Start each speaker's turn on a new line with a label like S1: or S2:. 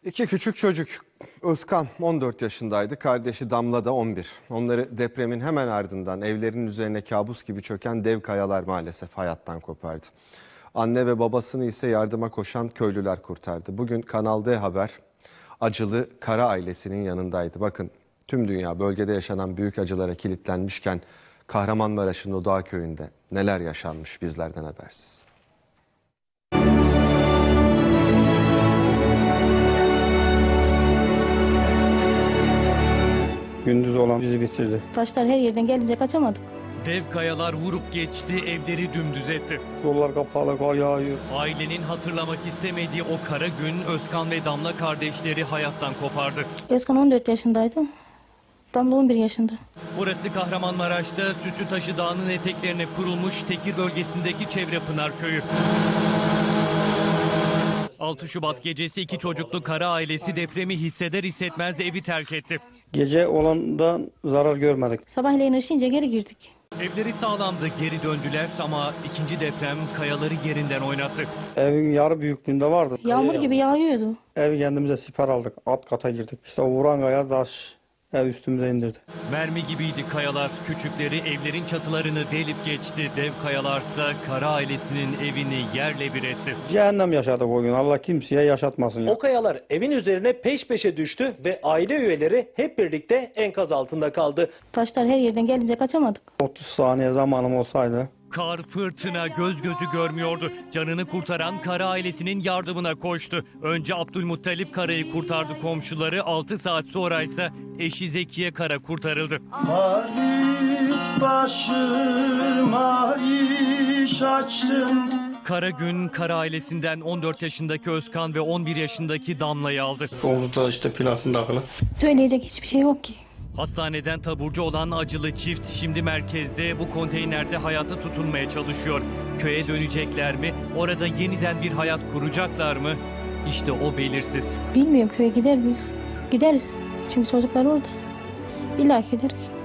S1: İki küçük çocuk. Özkan 14 yaşındaydı, kardeşi Damla da 11. Onları depremin hemen ardından evlerinin üzerine kabus gibi çöken dev kayalar maalesef hayattan kopardı. Anne ve babasını ise yardıma koşan köylüler kurtardı. Bugün Kanal D Haber acılı Kara ailesinin yanındaydı. Bakın, tüm dünya bölgede yaşanan büyük acılara kilitlenmişken Kahramanmaraş'ın Odağ köyünde neler yaşanmış bizlerden habersiz.
S2: Gündüz olan bizi bitirdi.
S3: Taşlar her yerden gelince kaçamadık.
S4: Dev kayalar vurup geçti, evleri dümdüz etti.
S2: Yollar kapalı, kar yağıyor.
S4: Ailenin hatırlamak istemediği o kara gün Özkan ve Damla kardeşleri hayattan kopardı.
S3: Özkan 14 yaşındaydı. Damla 11 yaşında.
S4: Burası Kahramanmaraş'ta Süslütaşı Dağı'nın eteklerine kurulmuş Tekir bölgesindeki Çevrepınar köyü. 6 Şubat gecesi iki çocuklu Kara ailesi depremi hisseder hissetmez evi terk etti.
S2: Gece olandan zarar görmedik.
S3: Sabahleyin ışıyınca geri girdik.
S4: Evleri sağlamdı, geri döndüler ama ikinci deprem kayaları yerinden oynattı.
S2: Evin yarı büyüklüğünde vardı.
S3: Yağmur gibi yağıyordu.
S2: Evi kendimize siper aldık. Alt kata girdik. İşte o vuran kaya taş ev üstümüze indirdi.
S4: Mermi gibiydi kayalar. Küçükleri evlerin çatılarını delip geçti. Dev kayalarsa Kara ailesinin evini yerle bir etti.
S2: Cehennem yaşadık o gün. Allah kimseye yaşatmasın ya.
S5: O kayalar evin üzerine peş peşe düştü ve aile üyeleri hep birlikte enkaz altında kaldı.
S3: Taşlar her yerden gelince kaçamadık.
S2: 30 saniye zamanım olsaydı.
S4: Kar, fırtına göz gözü görmüyordu. Canını kurtaran Kara ailesinin yardımına koştu. Önce Abdülmuttalip Kara'yı kurtardı komşuları. 6 saat sonra ise eşi Zekiye Kara kurtarıldı.
S6: Başıma iş açtım.
S4: Kara gün Kara ailesinden 14 yaşındaki Özkan ve 11 yaşındaki Damla'yı aldı.
S2: Omuzda işte platin takılı.
S3: Söyleyecek hiçbir şey yok ki.
S4: Hastaneden taburcu olan acılı çift şimdi merkezde bu konteynerde hayata tutunmaya çalışıyor. Köye dönecekler mi? Orada yeniden bir hayat kuracaklar mı? İşte o belirsiz.
S3: Bilmiyorum, köye gider miyiz? Gideriz. Çünkü çocuklar orada. İlla ki gideriz.